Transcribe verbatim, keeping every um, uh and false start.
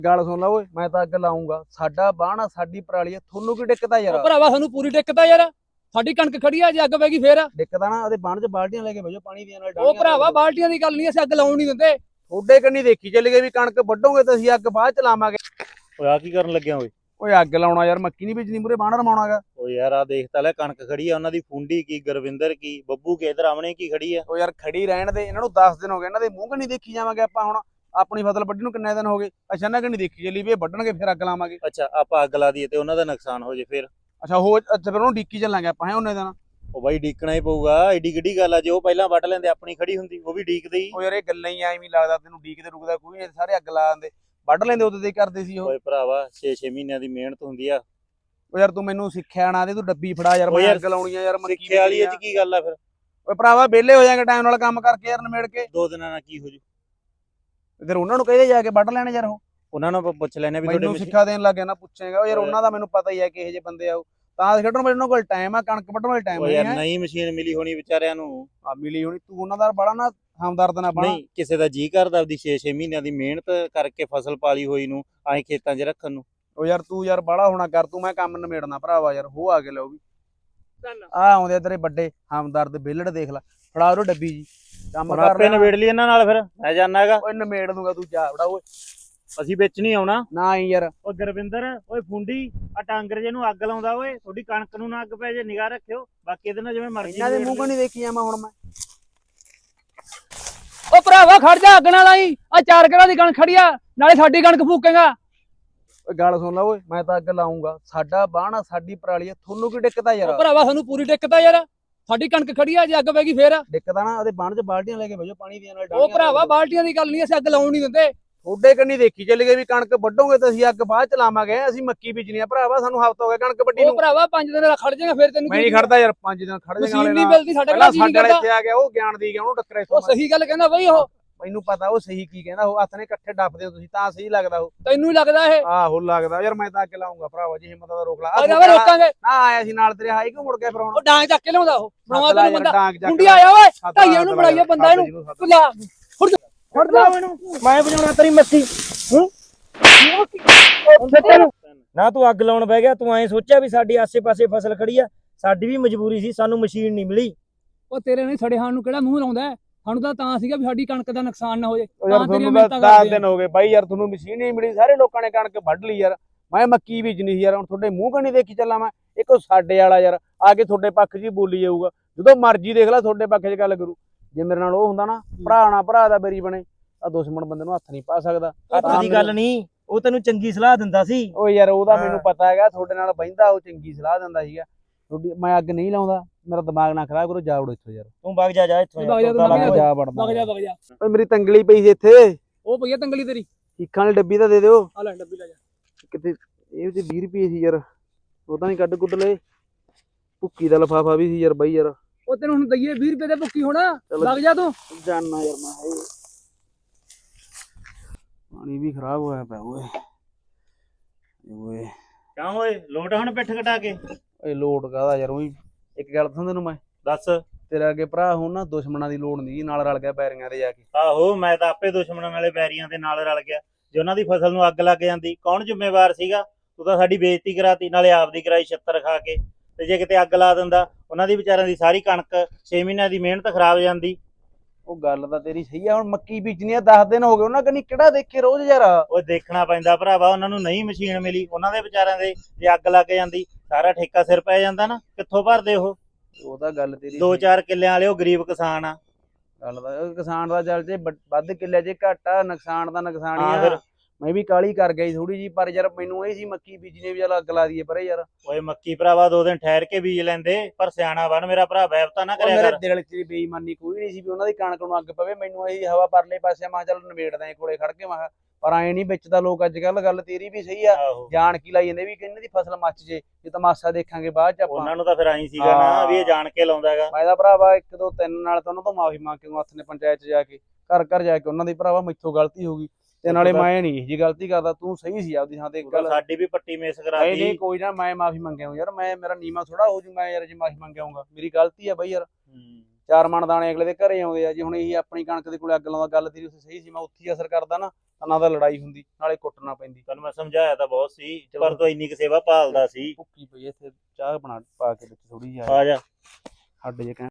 ਗੱਲ ਸੁਣ ਲਾ ਓਏ, ਮੈਂ ਤਾਂ ਅੱਗ ਲਾਉਂਗਾ। ਸਾਡਾ ਬਾਣਾ ਸਾਡੀ ਪਰਾਲੀ ਆ, ਤੁਹਾਨੂੰ ਕੀ ਦਿੱਕਤ ਆ ਯਾਰ? ਉਹ ਭਰਾਵਾ ਸਾਨੂੰ ਪੂਰੀ ਦਿੱਕਤ ਆ ਯਾਰ, ਸਾਡੀ ਕਣਕ ਖੜੀ ਆ, ਜੇ ਅੱਗ ਪੈ ਗਈ ਫੇਰ ਦਿੱਕਤ ਆ ਨਾ, ਉਹਦੇ ਬਾਣ 'ਚ ਬਾਲਟੀਆਂ ਲੈ ਕੇ ਭੇਜੋ ਪਾਣੀ ਦੀਆਂ ਨਾਲ। ਉਹ ਭਰਾਵਾ ਬਾਲਟੀਆਂ ਦੀ ਗੱਲ ਨਹੀਂ, ਅਸੀਂ ਅੱਗ ਲਾਉਣ ਨਹੀਂ ਦਿੰਦੇ। ਥੋੜੇ ਕੰਨੀ ਦੇਖੀ ਚੱਲ ਗਏ ਵੀ ਕਣਕ ਵੱਢੋਗੇ ਤਾਂ ਅਸੀਂ ਅੱਗ ਬਾਅਦ ਚ ਲਾਵਾਂਗੇ। ਓਏ ਆ ਕੀ ਕਰਨ ਲੱਗਿਆ ਓਏ? ਓਏ ਅੱਗ ਲਾਉਣਾ ਯਾਰ, ਮੱਕੀ ਨਹੀਂ ਬੀਜਣੀ, ਮੂਰੇ ਬਾਣ ਰਮਾਉਣਾਗਾ। ਓਏ ਯਾਰ ਆ ਦੇਖ ਤਾਂ ਲੈ, ਕਣਕ ਖੜੀ ਆ, ਉਹਨਾਂ ਦੀ ਫੁੰਡੀ ਕੀ, ਗੁਰਵਿੰਦਰ ਕੀ, ਬੱਬੂ ਕੇ, ਇਧਰ ਆਮਣੇ ਕੀ ਖੜੀ ਆ। ਓ ਯਾਰ ਖੜੀ ਰਹਿਣ ਦੇ, ਇਹਨਾਂ ਨੂੰ ਦਸ ਦਿਨ ਹੋ ਗਏ, ਇਹਨਾਂ ਦੇ ਮੂੰਹ ਕੰਨੀ ਦੇਖੀ ਜਾਵਾਂਗੇ ਆਪਾਂ। ਹੁਣ ਆਪਣੀ ਫਸਲ ਵੱਢਣ ਨੂੰ ਕਿੰਨੇ ਦਿਨ ਹੋ ਗਏ, ਅੱਛਾ ਇਹਨਾਂ ਕੰਨੀ ਦੇਖੀ ਚੱਲੀ ਵੀ ਇਹ ਵੱਢਣਗੇ ਫਿਰ ਅੱਗ ਲਾਵਾਂਗੇ। ਅੱਛਾ ਆਪਾਂ ਅੱਗ ਲਾ ਦਈਏ ਤੇ ਉਹਨਾਂ ਦਾ ਨੁਕਸਾਨ ਹੋ ਜੇ ਫਿਰ? ਅੱਛਾ ਹੋ ਅੱਛਾ, ਫਿਰ ਉਹਨੂੰ ਡੀਕੀ ਚੱਲਾਂਗੇ ਆਪਾਂ ਹੈ ਉਹਨੇ ਦਿਨ। ਉਹ ਬਾਈ ਡੀਕਣਾ ਹੀ ਪਊਗਾ, ਏਡੀ ਕਿੱਡੀ ਗੱਲ ਆ, ਜੇ ਉਹ ਪਹਿਲਾਂ ਵੱਢ ਲੈਂਦੇ ਆਪਣੀ ਖੜੀ ਹੁੰਦੀ ਉਹ ਵੀ ਡੀਕਦੇ ਹੀ। ਓ ਯਾਰ ਇਹ ਗੱਲਾਂ ਹੀ ਐਵੇਂ ਲੱਗਦਾ ਤੈਨੂੰ, ਡੀਕਦੇ ਰੁਕਦਾ ਕੋਈ ਨਹੀਂ, ਸਾਰੇ ਅੱਗ ਲਾ ਦਿੰਦੇ, ਵੱਢ ਲੈਂਦੇ ਉਹਦੇ ਤੇ ਕਰਦੇ ਸੀ ਉਹ। ਓਏ ਭਰਾਵਾ ਛੇ ਛੇ ਮਹੀਨਿਆਂ ਦੀ ਮਿਹਨਤ ਹੁੰਦੀ ਆ। ਓ ਯਾਰ ਤੂੰ ਮੈਨੂੰ ਸਿੱਖਿਆ ਨਾ ਦੇ, ਤੂੰ ਡੱਬੀ ਫੜਾ ਯਾਰ, ਮੈਂ ਅੱਗ ਲਾਉਣੀ ਆ ਯਾਰ। ਸਿੱਖੇ ਵਾਲੀ ਇਹ ਚ ਕੀ ਗੱਲ ਆ ਫਿਰ? ਓਏ ਭਰਾਵਾ ਵਿਹਲੇ ਹੋ ਜਾਾਂਗੇ ਟਾਈਮ ਨਾਲ ਕੰਮ ਕਰਕੇ ਯਾਰ, ਨਿਮੇੜ ਕੇ। ਦੋ ਦਿਨਾਂ ਨਾਲ ਕੀ ਹੋ ਜੂ? ਫਿਰ ਉਹਨਾਂ ਨੂੰ ਕਹਦੇ ਜਾ ਕੇ ਵੱਢ ਲੈਣੇ ਯਾਰ। ਉਹ ਉਹਨਾਂ ਨੂੰ ਆਪਾਂ ਪੁੱਛ ਲੈਣੇ ਵੀ ਮੈਨੂੰ ਸਿੱਖਿਆ ਦੇਣ ਲੱਗ ਗਿਆ ਨਾ, ਪੁੱਛੇਗਾ ਯਾਰ। ਉਹਨਾਂ ਦਾ ਮੈਨੂੰ ਪਤਾ ਹੀ ਹੈ ਕਿਹੋ ਜਿਹੇ ਬੰਦੇ ਆ ਉਹ, ਤਾਂ ਖੇਡਣ ਵਾਲੇ ਉਹਨਾਂ ਕੋਲ ਟਾਈਮ ਆ, ਕਣਕ ਵੱਢਣ ਵਾਲੇ ਟਾਈਮ ਓਏ ਯਾਰ ਨਹੀਂ ਮਸ਼ੀਨ ਮਿਲੀ ਹੋਣੀ ਵਿਚਾਰਿਆਂ ਨੂੰ। ਆ ਮਿਲੀ ਹੋਣੀ, ਤੂੰ ਉਹਨਾਂ ਦਾ ਬੜਾ ਨਾ ਹਮਦਰਦ ਨਾ ਬਣਾ। ਨਹੀਂ ਕਿਸੇ ਦਾ ਜੀ ਕਰਦਾ ਆਪਦੀ ਛੇ ਛੇ ਮਹੀਨਿਆਂ ਦੀ ਮਿਹਨਤ ਕਰਕੇ ਫਸਲ ਪਾਲੀ ਹੋਈ ਨੂੰ ਆਏ ਖੇਤਾਂ 'ਚ ਰੱਖਣ ਨੂੰ। ਉਹ ਯਾਰ ਤੂੰ ਯਾਰ ਬਾਹਲਾ ਹੋਣਾ ਕਰ, ਤੂੰ ਮੈਂ ਕੰਮ ਨਿਮੇੜਨਾ ਭਰਾਵਾ ਯਾਰ। ਹੋ ਆ ਕੇ ਲਓ ਵੀ ਆ ਆਉਂਦੇ ਤੇਰੇ ਵੱਡੇ ਹਮਦਰਦ ਵਿਹਲੜ, ਦੇਖ ਲੈ ਫੜਾ ਉਹ ਡੱਬੀ ਜੀ, ਕੰਮ ਕਰ ਆਪੇ ਨਿਬੇੜ ਲਈ ਇਹਨਾਂ ਨਾਲ, ਫਿਰ ਮੈਂ ਜਾਣਾਗਾ। ਓਏ ਨਿਮੇੜ ਦੂੰਗਾ, ਤੂੰ ਜਾ ਫੜਾ ਓਏ। ਅਸੀਂ ਵਿੱਚ ਨਹੀਂ ਆਉਣਾ ਨਾ ਹੀ ਯਾਰ। ਓ ਗੁਰਵਿੰਦਰ ਓਏ ਫੁੰਡੀ ਆ ਟਾਂਗਰ ਜੇ ਨੂੰ ਅੱਗ ਲਾਉਂਦਾ ਓਏ, ਤੁਹਾਡੀ ਕਣਕ ਨੂੰ ਨਾ ਅੱਗ ਪੈ ਜੇ, ਨਿਗਾਹ ਰੱਖਿਓ। ਬਾਕੀ ਇਹਦੇ ਨਾਲ ਜਿਵੇਂ ਮਰਜ਼ੀ ਇਹਨਾਂ ਦੇ ਮੂੰਹ ਕੋ ਨਹੀਂ ਦੇਖੀ ਜਾਵਾਂ ਹੁਣ ਮੈਂ। ਉਹ ਭਰਾਵਾ ਖੜ ਜਾ, ਅੱਗ ਨਾਲ ਆਈ, ਆ ਚਾਰ ਘਰਾਂ ਦੀ ਕਣਕ ਖੜੀ ਆ, ਨਾਲੇ ਸਾਡੀ ਕਣਕ ਫੂਕੇਗਾ। ਓਏ ਗੱਲ ਸੁਣ ਲਾ ਓਏ, ਮੈਂ ਤਾਂ ਅੱਗ ਲਾਉਂਗਾ। ਸਾਡਾ ਬਾਣਾ ਸਾਡੀ ਪਰਾਲੀ ਆ, ਤੁਹਾਨੂੰ ਕੀ ਦਿੱਕਤ ਆ ਉਹ ਯਾਰ? ਭਰਾਵਾ ਸਾਨੂੰ ਪੂਰੀ ਦਿੱਕਤ ਆ ਯਾਰ, ਸਾਡੀ ਕਣਕ ਖੜੀ ਆ, ਜੇ ਅੱਗ ਪੈ ਗਈ ਫੇਰ ਦਿੱਕਤ ਆ ਨਾ, ਉਹਦੇ ਬਾਣ 'ਚ ਬਾਲਟੀਆਂ ਲੈ ਕੇ ਭੇਜੋ ਪਾਣੀ ਦੀਆਂ ਨਾਲ। ਉਹ ਭਰਾਵਾ ਬਾਲਟੀਆਂ ਦੀ ਗੱਲ ਨਹੀਂ, ਅਸੀਂ ਅੱਗ ਲਾਉਣ ਨਹੀਂ ਦਿੰਦੇ। ਥੋੜੇ ਕੰਨੀ ਦੇਖੀ ਚੱਲ ਗਏ ਵੀ ਕਣਕ ਵੱਢੋਗੇ ਤਾਂ ਅਸੀਂ ਅੱਗ ਬਾਅਦ ਚ ਲਾਵਾਂਗੇ। ਅਸੀਂ ਮੱਕੀ ਬੀਜਣੀ ਆ ਭਰਾਵਾ, ਸਾਨੂੰ ਹਫ਼ਤਾ ਹੋ ਗਿਆ ਕਣਕ ਵੱਢੀ ਉਹ ਨੂੰ। ਭਰਾਵਾ ਪੰਜ ਦਿਨ ਖੜ ਜਾਏਗਾ ਫਿਰ ਤੈਨੂੰ ਮੈਂ ਨਹੀਂ ਖੜਦਾ ਯਾਰ, ਪੰਜ ਦਿਨ ਖੜ ਜਾਏਗਾ। ਮਸ਼ੀਨ ਨਹੀਂ ਮਿਲਦੀ ਸਾਡੇ ਕੋਲ, ਪਹਿਲਾਂ ਜੀ ਸਾਡੇ ਨਹੀਂ ਵਾਲੇ ਕਰਦਾ। ਇੱਥੇ ਆ ਗਿਆ, ਉਹ ਗਿਆਨ ਦੀ ਗਿਆ, ਉਹਨੂੰ ਟੱਕਰੇ। ਉਹ ਸਹੀ ਗੱਲ ਕਹਿੰਦਾ ਬਈ, ਉਹ ਮੈਨੂੰ ਪਤਾ ਉਹ ਸਹੀ ਕੀ ਕਹਿੰਦਾ। ਉਹ ਹੱਥ ਨੇ ਇਕੱਠੇ ਡੱਫਦੇ ਹੋ ਤੁਸੀਂ, ਤਾਂ ਸਹੀ ਲੱਗਦਾ ਉਹ। ਤੈਨੂੰ ਹੀ ਲੱਗਦਾ ਇਹ। ਆਹੋ ਲੱਗਦਾ ਯਾਰ, ਮੈਂ ਤਾਂ ਅੱਗ ਲਾਉਂਗਾ ਭਰਾਵਾ, ਜੇ ਹਿੰਮਤ ਦਾ ਰੋਕ ਲਾ। ਆ ਜਾਵੇ ਰੋਕਾਂਗੇ ਨਾ ਆਇਆ ਸੀ ਨਾਲ ਤੇਰੇ, ਹਾਈ ਕਿਉਂ ਮੁੜ ਗਿਆ ਫਿਰ ਹੁਣ? ਉਹ ਡਾਂਗ ਚੱਕ ਕੇ ਲਿਆਉਂਦਾ, ਉਹ ਬਣਾਵਾ ਤੈਨੂੰ ਬੰਦਾ ਡਾਂਗ ਚੱਕ ਕੁੰਡੀ ਆਇਆ ਓਏ, ਢਾਈਆਂ ਨੂੰ ਬਣਾਈਏ ਬੰਦਾ ਇਹਨੂੰ। ਤੂੰ ਲਾ ਫੜ ਜਾ ਮੈਨੂੰ, ਮੈਂ ਵਜਾਉਣਾ ਤੇਰੀ ਮੱਥੀ। ਨਾ ਤੂੰ ਅੱਗ ਲਾਉਣ ਬਹਿ ਗਿਆ, ਤੂੰ ਐਂ ਸੋਚਿਆ ਵੀ ਸਾਡੀ ਆਸੇ-ਪਾਸੇ ਫਸਲ ਖੜੀ ਆ, ਸਾਡੀ ਵੀ ਮਜਬੂਰੀ ਸੀ, ਸਾਨੂੰ ਮਸ਼ੀਨ ਨਹੀਂ ਮਿਲੀ। ਉਹ ਤੇਰੇ ਨੇ ਸੜੇ ਹਾਣ ਨੂੰ ਕਿਹੜਾ ਮੂੰਹ ਲਾਉਂਦਾ ਹੈ? ਸਾਨੂੰ ਤਾਂ ਤਾਂ ਸੀਗਾ ਵੀ ਸਾਡੀ ਕਣਕ ਦਾ ਨੁਕਸਾਨ ਨਾ ਹੋ ਜਾਏ। ਯਾਰ ਤੁਹਾਨੂੰ ਤਾਂ ਦਸ ਦਿਨ ਹੋ ਗਏ ਬਾਈ ਯਾਰ, ਤੁਹਾਨੂੰ ਮਸ਼ੀਨ ਨਹੀਂ ਮਿਲੀ, ਸਾਰੇ ਲੋਕਾਂ ਨੇ ਕਣਕ ਵੱਢ ਲਈ ਯਾਰ। ਮੈਂ ਮੱਕੀ ਬੀਜਣੀ ਸੀ ਯਾਰ, ਹੁਣ ਤੁਹਾਡੇ ਮੂੰਹ ਕਣੀ ਦੇਖੀ ਚੱਲਾਂ ਮੈਂ। ਇੱਕ ਸਾਡੇ ਵਾਲਾ ਯਾਰ ਆ ਕੇ ਤੁਹਾਡੇ ਪੱਖ 'ਚ ਹੀ ਬੋਲੀ ਜਾਊਗਾ, ਜਦੋਂ ਮਰਜ਼ੀ ਦੇਖ ਲੈ ਤੁਹਾਡੇ ਪੱਖ 'ਚ ਗੱਲ ਕਰੂ। ਜੇ ਮੇਰੇ ਨਾਲ ਉਹ ਹੁੰਦਾ ਨਾ, ਭਰਾ ਨਾ ਭਰਾ ਦਾ ਬੇਰੀ ਬਣੇ, ਆ ਦੁਸ਼ਮਣ ਬੰਦੇ ਨੂੰ ਹੱਥ ਨਹੀਂ ਪਾ ਸਕਦਾ। ਹੱਥ ਦੀ ਗੱਲ ਨਹੀਂ, ਉਹ ਤੈਨੂੰ ਚੰਗੀ ਸਲਾਹ ਦਿੰਦਾ ਸੀ। ਓ ਯਾਰ ਉਹਦਾ ਮੈਨੂੰ ਪਤਾ ਹੈਗਾ, ਤੁਹਾਡੇ ਨਾਲ ਬਹਿੰਦਾ, ਉਹ ਚੰਗੀ ਸਲਾਹ ਦਿੰਦਾ ਸੀਗਾ। ਤੁਹਾਡੀ ਮੈਂ ਅੱਗ ਨਹੀਂ ਲਾਉਂਦਾ, ਮੇਰਾ ਦਿਮਾਗ ਨਾ ਖਰਾਬ ਕਰੋ, ਜਾ ਵੜੋ ਇੱਥੋਂ ਯਾਰ। ਤੂੰ ਵਗ ਜਾ, ਜਾ ਇੱਥੋਂ ਵਗ ਜਾ, ਤੂੰ ਵਗ ਜਾ। ਜਾ ਵੜਦਾ ਵਗ ਜਾ ਵਗ ਜਾ। ਓਏ ਮੇਰੀ ਤੰਗਲੀ ਪਈ ਸੀ ਇੱਥੇ, ਉਹ ਪਈਆ ਤੰਗਲੀ ਤੇਰੀ, ਚੀਖਾਂ ਵਾਲੀ ਡੱਬੀ ਤਾਂ ਦੇ ਦਿਓ ਆ ਲੈ ਡੱਬੀ ਲੈ ਜਾ। ਕਿਤੇ। ਇਹ ਵਿੱਚ ਵੀਹ ਰੁਪਏ ਸੀ ਯਾਰ, ਉਹ ਤਾਂ ਨਹੀਂ ਕੱਢ ਕੁੱਢ ਲਏ। ਭੁੱਕੀ ਦਾ ਲਫਾਫਾ ਵੀ ਸੀ ਯਾਰ ਬਾਈ ਯਾਰ। ਉਹ ਤੈਨੂੰ ਹੁਣ ਦਈਏ ਵੀਹ ਰੁਪਏ ਦੇ ਭੁੱਕੀ ਹੋਣਾ, ਵਗ ਜਾ ਤੂੰ। ਜਾਨਾ ਯਾਰ ਮੈਂ, ਹਾਏ ਪਾਣੀ ਵੀ ਖਰਾਬ ਹੋਇਆ ਪਿਆ ਓਏ। ਓਏ ਕਿਉਂ ਓਏ ਲੋਟ ਹੁਣ ਪਿੱਠ ਕਟਾ ਕੇ? ਓਏ ਲੋਟ ਕਾਹਦਾ ਯਾਰ, ਉਹੀ ਇੱਕ ਗੱਲ ਦੱਸਾਂ ਤੈਨੂੰ ਮੈਂ। ਦੱਸ। ਤੇਰੇ ਅੱਗੇ ਭਰਾ ਹੋਣ ਨਾ, ਦੁਸ਼ਮਣਾਂ ਦੀ ਲੋੜ ਨਹੀਂ, ਨਾਲ ਰਲ ਗਿਆ ਪੈਰੀਆਂ ਤੇ ਜਾ ਕੇ। ਆਹੋ ਮੈਂ ਤਾਂ ਆਪੇ ਦੁਸ਼ਮਣਾਂ ਨਾਲੇ ਬੈਰੀਆਂ ਦੇ ਨਾਲ ਰਲ ਗਿਆ। ਜੇ ਉਹਨਾਂ ਦੀ ਫਸਲ ਨੂੰ ਅੱਗ ਲੱਗ ਜਾਂਦੀ, ਕੌਣ ਜ਼ਿੰਮੇਵਾਰ ਸੀਗਾ? ਤੂੰ ਤਾਂ ਸਾਡੀ ਬੇਇੱਜ਼ਤੀ ਕਰਾਤੀ, ਨਾਲੇ ਆਪਦੀ ਕਰਾਈ ਛਿੱਤਰ ਖਾ ਕੇ। ਤੇ ਜੇ ਕਿਤੇ ਅੱਗ ਲਾ ਦਿੰਦਾ, ਉਹਨਾਂ ਦੀ ਵਿਚਾਰਿਆਂ ਦੀ ਸਾਰੀ ਕਣਕ ਛੇ ਮਹੀਨਿਆਂ ਦੀ ਮਿਹਨਤ ਖਰਾਬ ਜਾਂਦੀ। ਉਹ ਗੱਲ ਤਾਂ ਤੇਰੀ ਸਹੀ ਆ, ਹੁਣ ਮੱਕੀ ਬੀਜਣੀ ਆ, ਦਸ ਦਿਨ ਹੋ ਗਏ, ਉਹਨਾਂ ਕੰਨੀ ਕਿਹੜਾ ਦੇਖੇ ਰੋਜ਼ ਯਾਰ। ਉਹ ਦੇਖਣਾ ਪੈਂਦਾ ਭਰਾਵਾ, ਉਹਨਾਂ ਨੂੰ ਨਹੀਂ ਮਸ਼ੀਨ ਮਿਲੀ, ਉਹਨਾਂ ਦੇ ਵਿਚਾਰਿਆਂ ਦੇ ਜੇ ਅੱਗ ਲੱਗ ਜਾਂਦੀ, ਸਾਰਾ ਠੇਕਾ ਸਿਰ ਪੈ ਜਾਂਦਾ ਨਾ, ਕਿੱਥੋਂ ਭਰਦੇ ਉਹ? ਉਹ ਤਾਂ ਗੱਲ ਤੇਰੀ ਦੋ ਚਾਰ ਕਿੱਲਿਆਂ ਵਾਲੇ ਉਹ ਗਰੀਬ ਕਿਸਾਨ ਆ। ਗੱਲ ਦਾ ਕਿਸਾਨ ਦਾ ਚੱਲ ਜੇ ਵੱਧ ਕਿੱਲੇ ਜੇ ਘੱਟ ਆ, ਨੁਕਸਾਨ ਦਾ ਨੁਕਸਾਨ ਹੀ ਹਾਂ ਆ। ਫਿਰ। ਮੈਂ ਵੀ ਕਾਲੀ ਕਰ ਗਈ ਥੋੜੀ ਜੀ, ਪਰ ਯਾਰ ਮੈਨੂੰ ਇਹ ਸੀ ਮੱਕੀ ਬੀਜਣੀ ਵੀ ਚੱਲ ਅੱਗ ਲਾ ਦਈਏ ਪਰੇ ਯਾਰ। ਓਏ ਮੱਕੀ ਭਰਾਵਾ ਦੋ ਦਿਨ ਠਹਿਰ ਕੇ ਬੀਜ ਲੈਂਦੇ, ਪਰ ਸਿਆਣਾ ਬਣ ਮੇਰਾ ਭਰਾ, ਵੈਬਤਾ ਨਾ ਉਹ ਕਰਿਆ ਮੇਰੇ ਕਰ। ਦਿਲ 'ਚ ਬੇਈਮਾਨੀ ਕੋਈ ਨਹੀਂ ਸੀ ਵੀ ਉਹਨਾਂ ਦੀ ਕਣਕ ਨੂੰ ਅੱਗ ਪਵੇ। ਮੈਨੂੰ ਇਹੀ ਹਵਾ ਪਰਲੇ ਪਾਸੇ, ਮੈਂ ਕਿਹਾ ਚੱਲ ਨਿਬੇੜਦਾ ਏ ਕੋਲੇ ਖੜ ਕੇ, ਮੈਂ ਕਿਹਾ। ਪਰ ਐ ਨਹੀਂ ਵਿੱਚ ਦਾ ਲੋਕ ਅੱਜ ਕੱਲ, ਗੱਲ ਤੇਰੀ ਵੀ ਸਹੀ ਆ, ਆਹੋ ਜਾਣ ਕੀ ਲਾਈ ਜਾਂਦੇ ਵੀ ਇਹਨਾਂ ਦੀ ਫਸਲ ਮੱਚ ਜੇ, ਜੇ ਤਮਾਸ਼ਾ ਦੇਖਾਂਗੇ ਬਾਅਦ ਚ ਆਪਾਂ। ਉਹਨਾਂ ਨੂੰ ਤਾਂ ਫਿਰ ਆਈ ਸੀਗਾ ਨਾ ਵੀ ਇਹ ਜਾਣ ਕੇ ਲਾਉਂਦਾ ਹੈਗਾ। ਮੈਂ ਤਾਂ ਭਰਾਵਾ ਇੱਕ ਦੋ ਤਿੰਨ ਨਾਲ ਤਾਂ ਉਹਨਾਂ ਤੋਂ ਮਾਫੀ ਮੰਗ ਕੇ ਹੱਥ ਨੇ ਪੰਚਾਇਤ 'ਚ ਜਾ ਕੇ, ਘਰ ਘਰ ਜਾ ਕੇ ਉਹਨਾਂ ਦੀ, ਭਰਾਵਾ ਮੈਥੋਂ ਗਲਤੀ ਹੋ ਗਈ, ਤੇ ਨਾਲੇ ਮੈਂ ਨਹੀਂ ਜੀ ਗਲਤੀ ਕਰਦਾ, ਤੂੰ ਸਹੀ ਸੀ ਆਪਦੀ ਥਾਂ ਤੇ। ਇੱਕ ਗੱਲ ਸਾਡੀ ਵੀ ਪੱਟੀ ਮੇਸ ਨਹੀਂ ਕਰਾਤੀ। ਨਹੀਂ ਕੋਈ ਨਾ, ਮੈਂ ਮਾਫੀ ਮੰਗਿਆ ਯਾਰ, ਮੈਂ ਮੇਰਾ ਨੀਮਾ ਥੋੜਾ ਹੋ ਜੂ ਮੈਂ ਯਾਰ ਜੇ ਮਾਫੀ ਮੰਗਿਆਉਂਗਾ। ਮੇਰੀ ਗਲਤੀ ਆ ਬਈ ਯਾਰ, ਚਾਰ ਮਣ ਦਾਣੇ ਅਗਲੇ ਦੇ ਘਰੇ ਆਉਂਦੇ ਆ। ਜੇ ਹੁਣ ਇਹੀ ਆਪਣੀ ਕਣਕ ਦੇ ਕੋਲੇ ਅੱਗ ਲਾਉਂਦਾ, ਗੱਲ ਤੇਰੀ ਉੱਥੇ ਸਹੀ ਸੀ, ਮੈਂ ਉੱਥੇ ਹੀ ਅਸਰ ਕਰਦਾ ਨਾ, ਤਾਂ ਨਾ ਤਾਂ ਲੜਾਈ ਹੁੰਦੀ ਨਾਲੇ ਕੁੱਟਣਾ ਪੈਂਦੀ। ਤੈਨੂੰ ਮੈਂ ਸਮਝਾਇਆ ਤਾਂ ਬਹੁਤ ਸੀ ਪਰ ਤੂੰ ਇੰਨੀ ਕੁ ਸੇਵਾ ਭਾਲਦਾ ਸੀ। ਭੁੱਕੀ ਪਈ ਇੱਥੇ ਚਾਹ ਬਣਾ ਪਾ ਕੇ ਵਿੱਚ ਥੋੜੀ ਜਿਹੀ ਆ ਜਾ। ਹੱਡ ਜੇ ਕਹਿਣ